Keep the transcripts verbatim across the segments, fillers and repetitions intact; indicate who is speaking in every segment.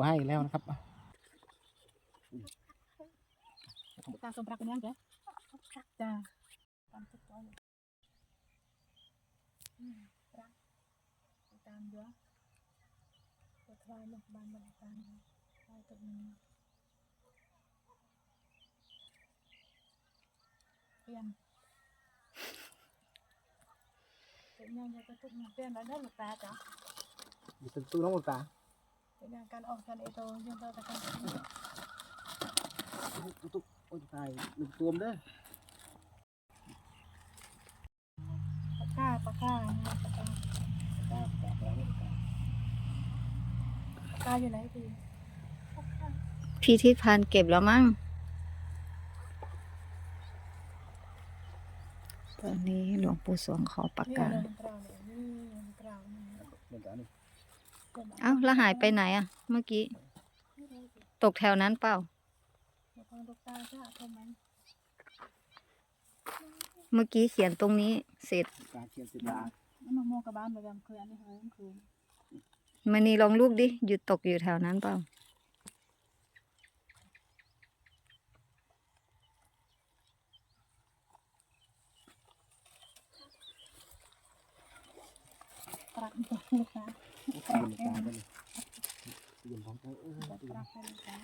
Speaker 1: ให้แล้วนะครับ
Speaker 2: ตาสมปรักเป็นยังไงจ้าตามทุกตัวเลยปรักตามเยอะตัวทลายลงบานบนตามทลายตัวนี้เปลี่ยนเป็นยังไงก็ทุกอย่างเปลี่ยนแล้วได้หรือเปล่าจ๊ะ
Speaker 1: อยู่เป็นตู้น้องหมดตา
Speaker 2: เป็นยังการออกกันเอโตยังเราแต่กัน
Speaker 1: ตุ๊กตุ๊กโอ้ยตายหนึ่งตัวมเด้อ
Speaker 2: ปากกาปากกาปากกา
Speaker 1: ตาตาตาตา
Speaker 2: ปากกาอยู่ไหนพี่
Speaker 3: พี่ทิพย์เก็บแล้วมั้งตอนนี้หลวงปู่สวงขอประกาศเอ้าแล้วหายไปไหนอ่ะเมื่อกี้ตกแถวนั้นเปล่าเมื่อกี้เขียนตรงนี้เสร็จ
Speaker 1: การเขียนสิบาท
Speaker 2: มะม่วงกับบ้านแบบเคยอันนี้เคยเคย
Speaker 3: มันนี่ลองลูกดิหยุดตกอยู่แถวนั้นเปล่า
Speaker 2: ปรักตัวลูกค้าปรักแค่
Speaker 1: นี้ยืมของเธอเออปรักแค่ลูกค้า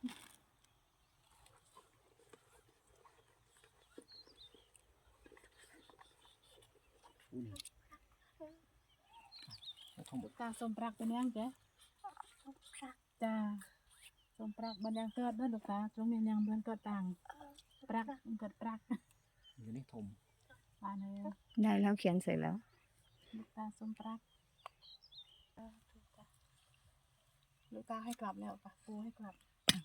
Speaker 2: ตาสมปรักเป็นยังไงจ้าสมปรักมันยังเกิดด้วยลูกค้าตรงนี้ยังเดือนเกิดต่างปรักเกิดปรัก
Speaker 1: อยู่นี่ทม
Speaker 2: มาเลย
Speaker 3: ได้แล้วเขียนเสร็จแล้ว
Speaker 2: ลูกตาสมปรักลูกตาให้กลับแล้วปะปูให้กลับ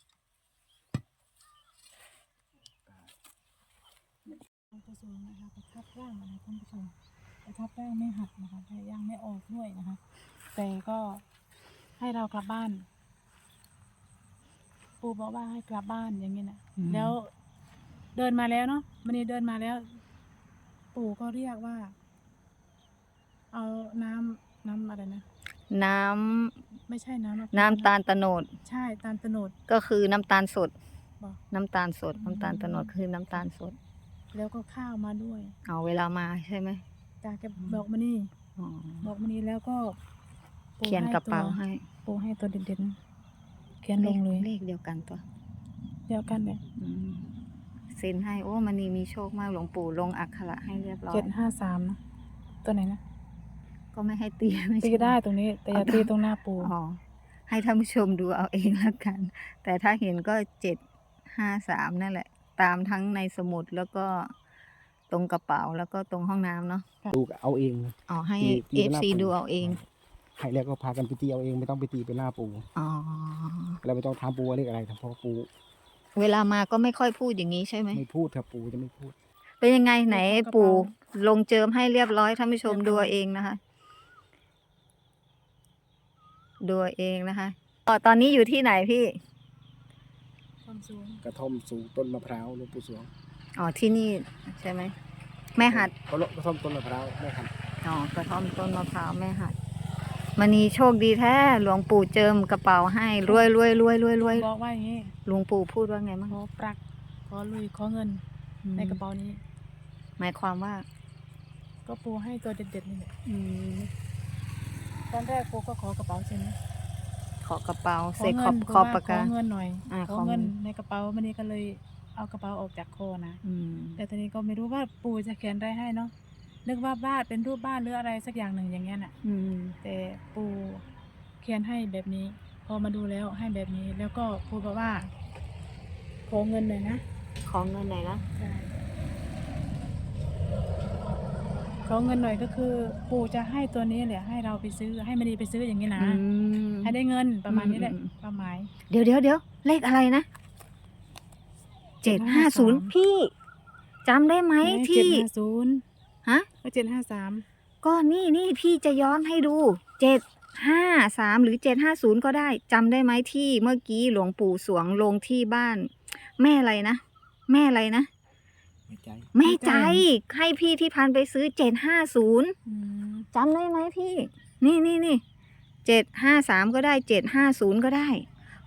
Speaker 2: ท่านผู้ชมนะคะประทับร่างนะคะท่านผู้ชมประทับร่างไม่หักนะคะแต่ยังไม่ออกด้วยนะคะแต่ก็ให้เรากลับบ้านปูบอกว่าให้กลับบ้านอย่างนี้นะแล้วเดินมาแล้วเนาะมันนี่เดินมาแล้วปู่ก็เรียกว่าเอาน้ำน้ำอะไรนะ
Speaker 3: น้
Speaker 2: ำไม่ใช่น้ำ
Speaker 3: น้ำตาลตะโนด
Speaker 2: ใช่ตาลตะโนด
Speaker 3: ก็คือน้ำตาลสดน้ำตาลสดน้ำตาลตะโนดคือน้ำตาลสด
Speaker 2: แล้วก็ข้าวมาด้วย
Speaker 3: เอาเวลามาใช่ไหม
Speaker 2: จ้าแกบอกมานี่บอกมานี่แล้วก็
Speaker 3: เขียนกระเป๋าให้
Speaker 2: ปูให้ตัวเด่นๆเขียนลงเลย
Speaker 3: เลขเดียวกันตัว
Speaker 2: เดียวกันเนี่ย
Speaker 3: เซ็นให้โอ้มันนี่มีโชคมากหลวงปู่ลงอักขระให้เรียบร้อย
Speaker 2: เจ็ดห้าสามนะตัวไหนนะ
Speaker 3: ก็ไม่ให้ตี
Speaker 2: ตีได้ตรงนี้แต่อย่าตีตรงหน้าปู
Speaker 3: อ๋อให้ท่านผู้ชมดูเอาเองแล้วกันแต่ถ้าเห็นก็เจ็ดห้าสามนั่นแหละตามทั้งในสมุดแล้วก็ตรงกระเป๋าแล้วก็ตรงห้องน้ำเนาะ
Speaker 1: ดูเอาเอง
Speaker 3: อ๋อให้เอฟซีดูเอาเอง
Speaker 1: ให้แล้วก็พากันไปตีเอาเองไม่ต้องไปตีไปหน้าปู
Speaker 3: อ๋อ
Speaker 1: แล้วไม่ต้องทำปูอะไรอะไรทำเพราะปู
Speaker 3: เวลามาก็ไม่ค่อยพูดอย่างนี้ใช่ไหม
Speaker 1: ไม่พูดครับปูจะไม่พูด
Speaker 3: เป็นยังไงไหนปู่ลงเจิมให้เรียบร้อยท่านผู้ชมดูเองนะคะดูเองนะคะอ๋อตอนนี้อยู่ที่ไหนพี่
Speaker 1: กระท่อมสูงต้นมะพร้าวหลวงปู่สวง
Speaker 3: อ๋อที่นี่ใช่ไหมแม่หัด
Speaker 1: กระท่อมต้นมะพร้าวแม่หัด
Speaker 3: อ๋อกระท่อมต้นมะพร้าวแม่หัดมันนี่โชคดีแท้หลวงปู่เจิมกระเป๋าให้รวยรวยรวยรวยรวย
Speaker 2: บอกว่าอย่างนี้
Speaker 3: หลวงปู่พูดว่าไงมั้ง
Speaker 2: ขอปรักขอลุยขอเงินในกระเป๋านี้
Speaker 3: หมายความว่า
Speaker 2: ก็ปูให้ตัวเด็ดๆนี่แหละตอนแรกปูก็ขอกระเป๋าใช่ไหม
Speaker 3: ขอกระเป๋าเสกขอบขอบปากกา
Speaker 2: ขอเงินหน่อยขอเงินในกระเป๋ามันนี่ก็เลยเอากระเป๋าออกจากคอนะแต่ตอนนี้ก็ไม่รู้ว่าปู่จะเขียนอะไรให้เนาะนึกว่าบ้านเป็นรูปบ้านหรืออะไรสักอย่างหนึ่งอย่างเงี้ยน่ะแต่ปู่เขียนให้แบบนี้พอมาดูแล้วให้แบบนี้แล้วก็ปู่บอกว่าขอเงินหน่อยนะ
Speaker 3: ขอเงินหน่อยนะ
Speaker 2: ขอเงินหน่อยก็คือปู่จะให้ตัวนี้แหละให้เราไปซื้อให้มันดีไปซื้ออย่างนี้นะให้ได้เงินประมาณนี้แหละประมาณ
Speaker 3: เดี๋ยวเดี๋ยวเดี๋ยวเลขอะไรนะเจ็ดห้าศูนย์พี่จำได้ไหมที่
Speaker 2: เจ็ดห้าศูนย์
Speaker 3: ฮะ
Speaker 2: ก็เจ็ดห้าสาม
Speaker 3: ก็นี่นี่พี่จะย้อนให้ดูเจ็ดห้าสามหรือเจ็ดห้าศูนย์ก็ได้จำได้ไหมที่เมื่อกี้หลวงปู่สวงลงที่บ้านแม่อะไรนะแม่อะไรนะแม่ใจให้พี่ที่พันไปซื้อเจ็ดห้าศูนย์จำได้ไหมพี่นี่นี่นี่เจ็ดห้าสามก็ได้เจ็ดห้าศูนย์ก็ได้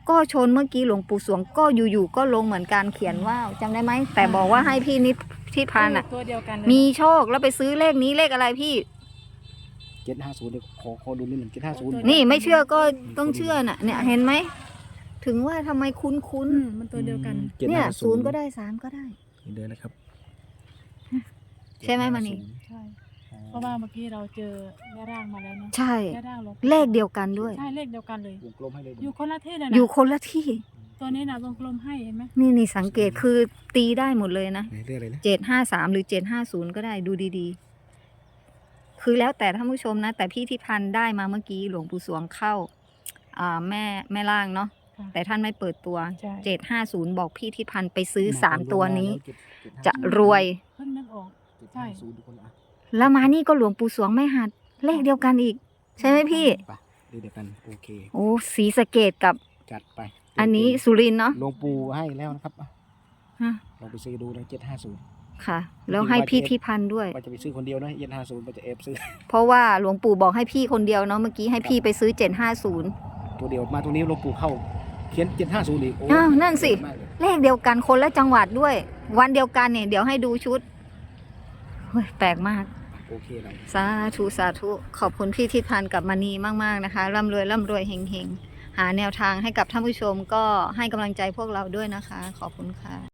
Speaker 3: ก็ชนเมื่อกี้หลวงปู่สวงก็อยู่ๆก็ลงเหมือนกันเขียนว่าวจำได้ไหมแต่บอกว่าให้พี่นิดที่พันอ่ะ
Speaker 2: ตัวเดียวกันเลย
Speaker 3: มีโชคแล้วไปซื้อเลขนี้เลขอะไรพี่
Speaker 1: เจ็ดห้าศูนย์เดี๋ยวขอขอดูนิดหนึ่งเจ็ดห้าศูนย์
Speaker 3: นี่ไม่เชื่อก็ต้องเชื่อน่ะเนี่ยเห็นไหมถึงว่าทำไมคุ้น
Speaker 2: อืมมันตัวเดียวกัน
Speaker 3: ๆเนี่ยศูนย์ก็ได้สามก็ได้
Speaker 1: เดินนะครับ
Speaker 3: ใช่ไหมมานี่
Speaker 2: ใช่ เพราะว่าเมื่อกี้เราเจอแม่ร่างมาแล้วเนาะ
Speaker 3: ใช่
Speaker 2: แม่ร่างลง
Speaker 3: เลขเดียวกันด้วย
Speaker 2: ใช่เลขเดียวกันเลย
Speaker 1: วงกลมให้เลย
Speaker 2: อยู่คนละที่เลย
Speaker 3: อ
Speaker 2: นะ
Speaker 3: ยู่คนละที่
Speaker 2: ตัวนี้นะวงกลมให้เห็นไหม
Speaker 3: นี่นี่สังเกตคือตีได้หมดเลยนะ
Speaker 1: ไหนเรียกอะไรนะ
Speaker 3: เจ็ดห้าสามหรือเจ็ดห้าศูนย์ก็ได้ดูดีๆ คือแล้วแต่ท่านผู้ชมนะ แต่พี่ที่พันได้มาเมื่อกี้หลวงปู่สวงเข้าอ่าแม่แม่ล่างเนาะ
Speaker 2: ค่ะ
Speaker 3: แต่ท่านไม่เปิดตัว
Speaker 2: ใช่
Speaker 3: เจ็ดห้าศูนย์บอกพี่ที่พันไปซื้อสามตัวนี้
Speaker 1: เจ็ดเจ็ดห้า
Speaker 3: จะรวย
Speaker 2: เพิ่งนึกออก
Speaker 1: เจ็ดห้าศูนย์ทุกคนอ่ะ
Speaker 3: แล้วมานี่ก็หลวงปู่สวงไม่หัดเลขเดียวกันอีก ใช่ไหมพี่
Speaker 1: ไปเดี๋ยวกันโอเค
Speaker 3: โอ้ศรีสะเกดกับ
Speaker 1: จัดไป
Speaker 3: อันนี้สุรินทร์เนาะ
Speaker 1: หลวงปู่ให้แล้วนะครับอ่ะ
Speaker 3: ฮะ
Speaker 1: ลองไปซื้อดูนะเจ็ดห้าศูนย์
Speaker 3: ค่ะ แล้วให้พี่ที่พันด้วย
Speaker 1: ว่าจะไปซื้อคนเดียวนะเจ็ดห้าศูนย์ว่าจะเอฟซื้อ
Speaker 3: เพราะว่าหลวงปู่บอกให้พี่คนเดียวเนาะเมื่อกี้ให้พี่ไปซื้อเจ็ดห้าศูนย์
Speaker 1: ตัวเดียวมาตัวนี้หลวงปู่เข้าเขียนเจ็ดห้าศูนย์อีกโอ้
Speaker 3: อ้าวนั่นสิ
Speaker 1: มากเลย
Speaker 3: เลขเดียวกันคนละจังหวัดด้วย วันเดียวกันเนี่ยเดี๋ยวให้ดูชุดเฮ้ยแปลกมาก
Speaker 1: โอเคเลย
Speaker 3: สาธุสาธุขอบคุณพี่ทิศพันธ์กับมณีมากๆนะคะร่ำรวยร่ำรวยเฮงๆ หาแนวทางให้กับท่านผู้ชมก็ให้กำลังใจพวกเราด้วยนะคะ ขอบคุณค่ะ